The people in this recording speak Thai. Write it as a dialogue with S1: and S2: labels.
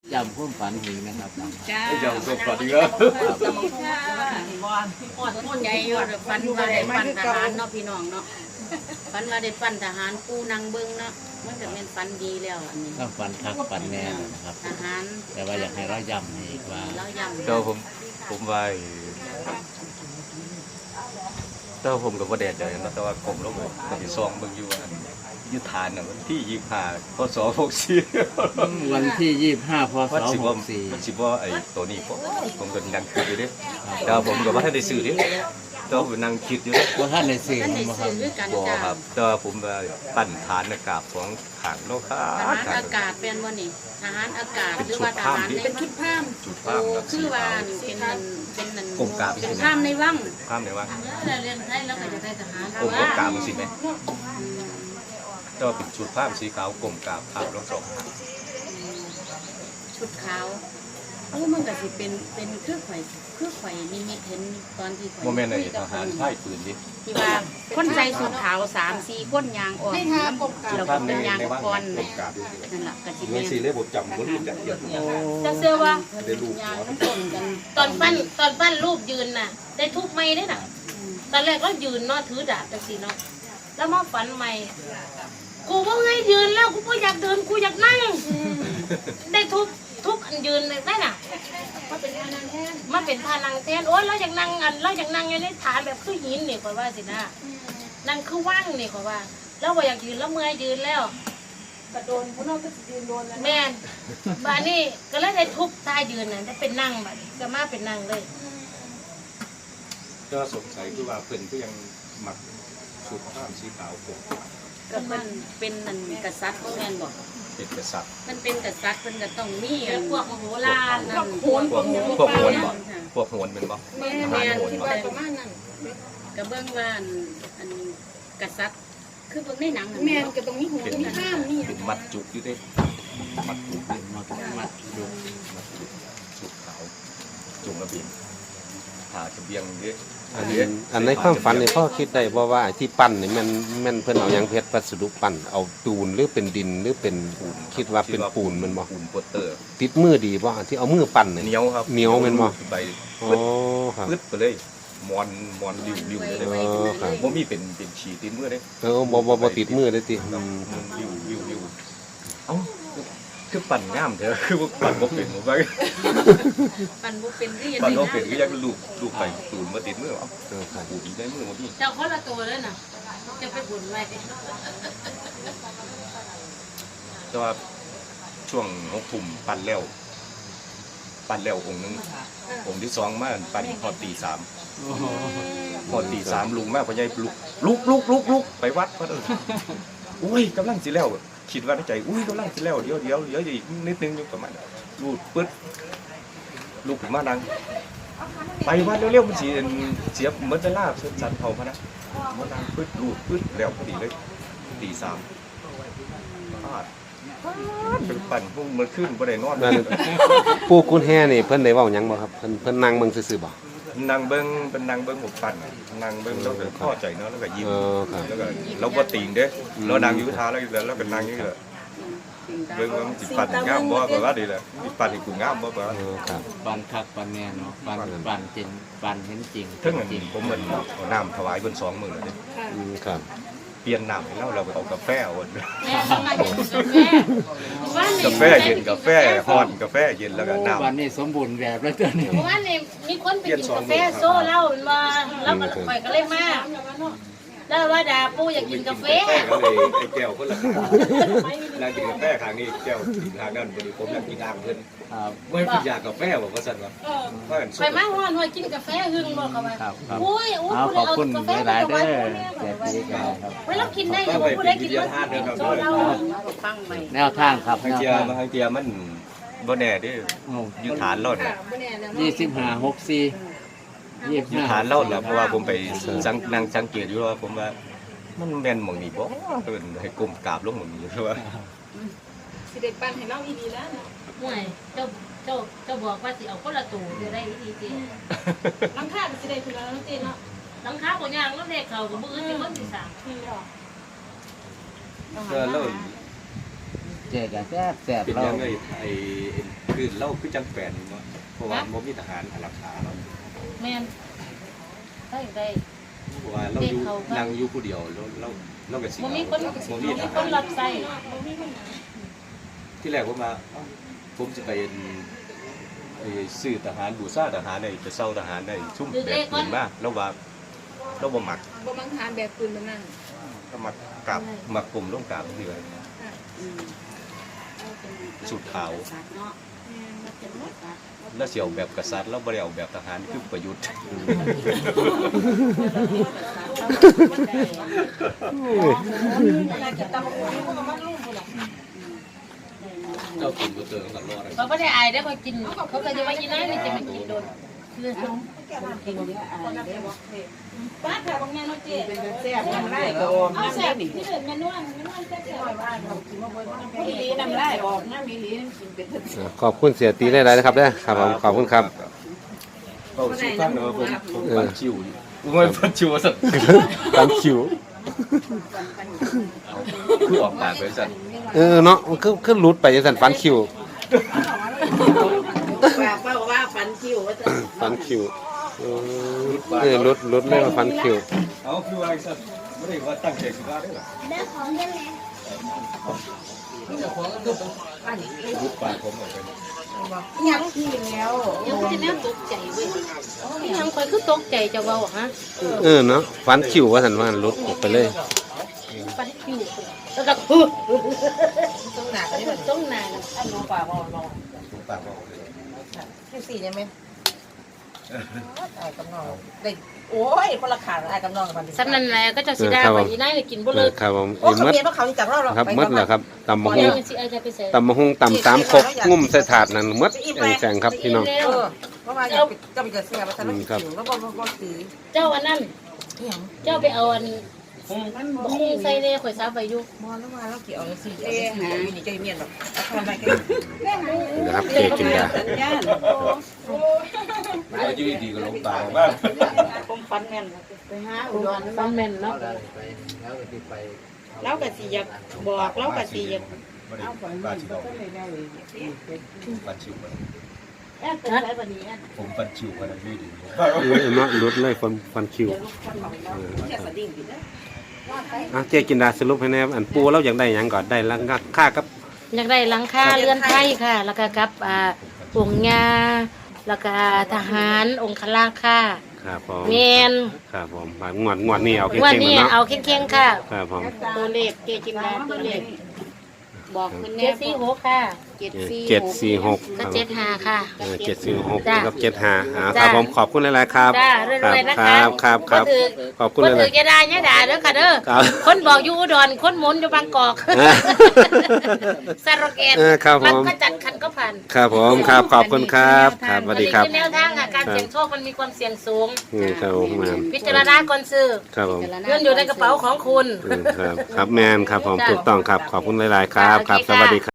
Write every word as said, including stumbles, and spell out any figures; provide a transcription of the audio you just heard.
S1: ยำข้นฝันหิงนะครับ
S2: จ้า
S3: ยำข้นฝันหิงเหรอ
S2: สมองค่ะอดต้นใหญ่ยอดฟันว่าได้ปั้นทหารเนาะพี่น้องเนาะฟันว่าได้ปั้นทหารปูนางเบิ้งเนาะมันจะเป็นฟันดีแล้วอันนี้
S1: ต้องฝันคักฝันแน่นะครับ
S2: ทหาร
S1: แต่ว่าอยากให้เรายำให้ว่า
S2: เรายำ
S3: เจ้าผมผมว่าเจ้าผมกับว่าแดดใจนะแต่ว่ากลมแล้วผมจะซองเบิ่งอยู่ว่ายุทธานน่ะวันที่ยี่สิบห้าพศหกสี่
S1: วันที่ยี่สิบห้าพศหกสี่
S3: มันสิว่าไอ้ตัวนี้ผมผมก็นั่งคิดอยู่ดิแต่ผมก็ว่าท่านได้ซื้อดิแต่ผมนั่งคิดอยู่
S1: ว่าท่านได้ซื้อ
S2: มาครับ
S3: บ่ครับแต่ผมว่าปั้นฐานอากาศของขังโลกา
S2: ทหารอากาศเป็นว่านี่ทหารอากาศหรือว่าทหารเป็นชุดผ้าม
S3: ชุดผ้าม
S2: คือว่าเป็นนันเป็นนัน
S3: กรมกาบ
S2: เป็นผ้ามในวัง
S3: ผ้ามในวัง
S2: เราเรียนได้แล้วก็จะได้ทหาร
S3: กรมกาบมันสิไหมก็เป็นชุดผ้ามสีขาวกลมกาบขาวรองสอง
S2: ชุดขาวเออมันก็สิเป็นเป็นเครื่องไข่เครื่องไข่นิมิตเห็นตอนที่ไข่
S3: โมเมนต์ไหนทหารพ่ายปืนดิ
S2: ที่ว่าคนใส่ชุดขาวสามสี่คนยางออกเราก็เป็นยางคอนนั่นแหละก็สิ
S3: เป็นสีเล่บทจำมันจะเยอะ
S2: จะเชื่อว่ายางมันต้นกันตอนปั้นตอนปั้นรูปยืนน่ะได้ทุบไม้ได้น่ะตอนแรกก็ยืนเนาะถือดาบจังสีเนาะแล้วมาฝันใหม่กูว่าไงยืนแล้วกูไม่อยากเดินกูอยากนั่งได้ทุบทุบอันยืนได้น่ะมาเป็นพานังแทนมาเป็นพานังแทนโอ้ยเราอยากนั่งอันเราอยากนั่งอยู่ในฐานแบบคือหินนี่ขอว่าสินะนั่งคือว่างนี่ขอว่าแล้วว่าอยากยืนแล้วเมื่อยยืนแล้วกระโดนพวกเราก็ยืนโดนแล้วแม่นบ้านนี้ก็เลยได้ทุบตายยืนน่ะได้เป็นนั่งแบบก็มาเป็นนั่งเลย
S3: ก็สงสัยคือว่าเพิ่นก็ยังหมักชุดผ้าสีขาวผม
S2: ก็มันเป็นนั่นกษัตริย์แม่นบอก
S3: เป็นกษัตริย์
S2: มันเป็นกษัตริย์มันก็ต้องมีพวกมโหราชนั่น
S3: พวกพวกพวกโหนบ่พวกโหนเป็นบ่
S2: แม่แม่ที่ว่าประมาณนั้นก็เบิ่งว่าอันกษัตริย์คือเบิ่งในหนังแม่ก็ต้องมีหัวมีข้ามนี่
S3: เป็นมัดจุกอยู่เด้มัดจุกเป็นมัดมัดจุกมัดจุกชุดขาวจุงระเบียงผ่าทะเบียงเด้
S4: อันอันในความฝันนี่พ่อคิดได้บ่ว่าที่ปั้นนี่มันมันเพิ่นเอาหยังเพชรวัสดุปั้นเอาปูนหรือเป็นดินหรือเป็นปูนคิดว่าเป็นปูนมันบ่
S3: ปูนโปสเตอร์
S4: ติดมือดีบ่ที่เอามือปั้นนี่
S3: เหนียวครับ
S4: เหนียวแม่นบ่
S3: ใบ
S4: อ๋อครับ
S3: ปึ๊ดไปเลยมอนมอนริ้วๆเลย
S4: อ๋อครับ
S3: บ่มีเป็นเป็นฉีติดมือเด้
S4: เออบ่บ่บ่ติดมือเลยติ
S3: อืมริ้วๆเอ้าคือปั่นงามเถอะคือปั่นบ่เป็นบ่ว่า
S2: ปั่นบ่เป็นที่
S3: ปั่นบ่เป็นก็ยังลูกลูกไปตูนมาติดมือเอ้าเออค่ะกูดีได้มือบ่พี่
S2: เจ้าคนละตัวเลยน่ะจะไปบุญไว้
S3: แต่ว่าช่วงหกทุ่มปั่นแล้วปั่นแล้วองค์นึงองค์ที่สองมาปั่นพอตีสามพอตีสามลุงมาพ่อใหญ่ลุกลุกลุกลุกลุกไปวัดเพิ่นอุ้ยกำลังสิแล้วคิดว่าในใจอุ้ยกำลังสิแล้วเดี๋ยวเดี๋ยวเดี๋ยวอีกนิดนึงอยู่ประมาณรูดปึ๊ดลูกถึงมาดังไปวัดเร็วๆมันสิเสียเหมือนจะลาบสันเผาพะนะมาดังปึ๊ดรูดปึ๊ดแล้วพอดีเลยตีสามพลาดเป็นปั่นพวกมันขึ้นบ่ได้นอน
S4: ปู่กุญแฮนี่เพิ่นได้เว้าหยังบ่ครับเพิ่นเพิ่นนั่งเบิ่งซื่อๆบ่
S3: นางเบิ้งเป็นนางเบิ้งผมปั่นนางเบิ้งแล้วก็พ่อใจเนาะแล้วก็ยิ้มแล้วก็เราก็ติ่งเด้เรานางยุทธาแล้วแล้วก็นางนี่แหละเบิ้งว่าจิตปั่นงามบ่แบบว่าดีแหละจิตปั่นที่กูงามบ่แบบ
S1: ปั่นคักปั่นแน่เนาะปั่นปั่นจริงปั่นเห็นจริง
S3: ถึงจริงผมเหมือนเอาน้ำถวายบนสองมือเลย
S4: ครับ
S3: เปลี่ยนน้ำให้เราเราเอากาแฟอ่อน
S2: กา
S3: แฟเย็นกาแฟฮ้อนกาแฟเย็นแล้วก็น้ำ
S1: วันนี้สมบูรณ์แบบแล้วตัวนี้
S2: วันนี้มีคนไปกินกาแฟโซ่เหล้ามาแล้วก็ไปก็เลยมาแล้วว่าดาปู่อยากกินกาแฟ
S3: ก็เลยไอ้แก้วคนละนางกินกาแฟครั้งนี้แก้วกินทางนั้นพอดีผมอยากกินอ่างเพิ่นไม่พี่อยากกาแฟบอกว่าสั่นวะ
S2: ไปมาฮ้อนหอยกินกาแฟหึงบอกเขาว่าโอ้ยโอ้ย
S1: ขอบคุณหลายๆเด้อแจกดีกันครับ
S2: เวลากินได้ยังบ่ได้กินว่าโซ่เหล้าฟังใหม่
S1: แนวทางครับ
S3: ทางเจียมาทางเจียมันบ่แน่เด้อยู่ฐานรถ
S1: ยี่สิบห้า หกสี่
S3: อยู่ฐานเล่าแหละเพราะว่าผมไปสังนั่งสังเกตอยู่ว่าผมว่ามันแม่นหม่องนี้บ่เพิ่นให้ก้มกราบลงหม่องนี้เพราะว่า
S2: สิได้ปั้นให้เราอีดีแล้วห่วยเจ้าเจ้าเจ้าบอกว่าสิเอาคนละตัวจะได้อีดีๆหลังคาสิได้พุ่นแล้วเนาะเนาะหลังคาบ่ย่างแล้วเด็กเขาก็บ่อื่นสิคนสิสร้าง
S3: ก็แล้ว
S1: แจกแซ่บแซ่บ
S3: เป็นยังไงไอ้คืออื่นเราคือจังแปลนเนาะเพราะว่าบ่มีทหารอารักขาเรา
S2: แม่นได้ได้
S3: เพราะว่าเราอยู่นั่งอยู่ผู้เดียวเราเราเราก็สิ
S2: บ่มีคน
S3: บ่
S2: บ่
S3: มี
S2: มี
S3: ท
S2: ค
S3: หาร
S2: นรับใช้
S3: ที่แรกผมมาผมสิไปเอ็นไอ้ซื้อทหารบูชาทหารได้ไปเซาทหารได้ชุ่มแบบปืนมาแล้วว่าเราบ่มัก
S5: บ่มังทานแบบปืนมันนั่ง
S3: ก็มักกราบมักกลุ่มลงกราบนี่ว่าสุดขาวแล้วเสียวแบบกษัตริย์แล้วบ่ได้เอาแบบทหารคือประยุทธ์
S1: เจ้ากินบ่เจอกันรอด
S2: เขาบ่ได้อายได้อเขากินเขาก็จะว่ากินได้นี่จะมากินโดนคือป้าค่ะบางแม่เนาะเจ๊
S5: แซ่บน้ำลายก็ออก
S2: เอาแซ่บนี่เด้อแม่นวลแม่นวลแซ่บ
S5: มีหลีน้ำลายออกน้ำมีหลีกินเป็น
S4: อ่าขอบคุณเสียตีหลายๆนะครับเด้อครับผมขอบคุณครับ
S3: เอาสุฟังเนาะผมผมปันชิวอยู่ผมไม่ปันชิวสัก
S4: ตามคิว
S3: คือออกปากไปสั่น
S4: เออเนาะมันคือคือหลุดไปจังซั่นฟันคิว
S5: ว่าเป้าว่าฟันคิวว่าจะ
S4: ฟันคิวเออเออหลุดหลุดเลยว่าฟันคิว
S3: เอาคือว่าสั่นไม่ได้ว่าตั้งใจสิว่าได้หรอรูปปากผมออกไป
S5: ยังที่แล้ว
S2: ยังสิแนวตกใจเว้ยยังคอยคือตกใจจะเว้าฮะ
S4: เออเนาะฟันคิวว่าซั่นว่าหลุดออกไปเลย
S2: ปันคิวแล้วก็คือ
S5: ต้องหนักอันนี้แบบ
S2: ต้องนาน
S5: อันนู้นปากว่าลอง
S3: รูปปากออกเลย
S5: ที่สี่ใช่ไหมไอ้กำนองได้โอ้ยคนละขาไอ้กำนองกับมัน
S2: สำนันแหละก็จะสิได้ว่าอีนายได้กินบ่
S4: เอ
S2: เลิ
S4: อก ครับผม
S5: โอ้
S4: อี
S5: เขา
S4: มด
S5: เมียพวกเขาจากเราหรอ
S4: ครับมดเหรอครับตำมะฮุ
S2: เดี๋ย
S4: ง
S2: วมันสิเอาจะไปใส่
S4: ตำมะฮุงตำสามครกงุ่มใส่ถาดนั่นมดแข็งๆครับพี่น้อง
S5: เออเพราะว่าอยากจะไปเกิดเสียมาทำให้ผิวแล้วก็ก็สี
S2: เจ้าอันนั้น
S5: อย่าง
S2: เจ้าไปเอาอันบ่คงใส่แน่ข่อยซับไว้อยู่
S5: มอแล้วมาแล้วเกี่ยวสีเอ๊ะหาวินิจเมียนแบบทำอะไรกัน
S4: นะครับเจกินยา
S5: สัญญาณ
S3: ว่าอยู่ดีๆก็ลงปากว่า
S5: ผมฟันแม่นไปหาอุดร
S2: ฟันแม่นเนาะ
S5: แล้วก็สิอยากบอกแล้วก็สิอยาก
S3: ไม่ได้ปาชิวปันชิวไป
S2: แอบเป็นไรบัดนี้แอบ
S3: ผมปันชิวกันอยู่ดี
S4: เออเนาะหลุดเลยฟันฟันคิว
S5: แค่สดิ่งดินะ
S4: อ่ะเจกินดาสรุปให้แน่อันปูเราอยากได้หยังก่อนได้ลังค่ากับ
S2: อยากได้หลังคาเรือนไทยค่ะ แล้วก็กับอ่าองค์ญาแล้วก็ทหารองค์คลาค่ะ
S4: ครับผม
S2: แมน
S4: ครับผมบาดงวดงวดนี่เอาเก่
S2: วัน
S4: งๆ
S2: นี้
S4: เนาะ
S2: เอาเข่งๆค่ะ
S4: ครับผม
S2: ตัวเลขเกจินดาตัวเลข
S5: บอกคุณ
S2: เจ็
S5: แน่
S2: ดสี่หกค่ะ
S5: เจ็ดสี่
S4: เจ็ดสี่หกค
S2: ก็
S4: รับ
S2: เจ็ดห้าค่ะ
S4: เออเจ็ดสี่หก
S2: จ้ะ
S4: กับเจ็ดห้าอ่าค
S2: จ้ะ
S4: รับผมขอบคุณหลายๆครับ
S2: จ้ารวยๆนะ
S4: ค
S2: คะ
S4: รับครับครับ
S2: ถือ
S4: ขอบคุณ
S2: คน
S4: ห
S2: ถื
S4: ลา
S2: อย แกได้เนี่ยด่าเด้อค่ะเด้อ
S4: ครับ
S2: คนบอกอยู่อุดรคนหมุนอยู่บางกอก
S4: อ่า
S2: สโลแกน
S4: เออครับผม
S2: นก็จัดคันก็ผ่าน
S4: ๆครับผมครับขอบคุณครับครับสวัสดีครับ
S2: อันนี้อแนวทางค่ะการเสี่ยงโชคมันมีความเสี่ยงสูง
S4: อืมครับผมแมน
S2: พิจารณาก่อนซื้อ
S4: ครับผม
S2: เงินอยู่ในกระเป๋าของคุณ
S4: อืมครับครับแมนครับผม
S2: จ้ะ
S4: ถูกต้องครับขอบคุณหลายๆครับ
S2: จ้ะ
S4: ครับ
S2: โอเค
S4: สวัสดี
S2: ค่ะ
S4: ครับ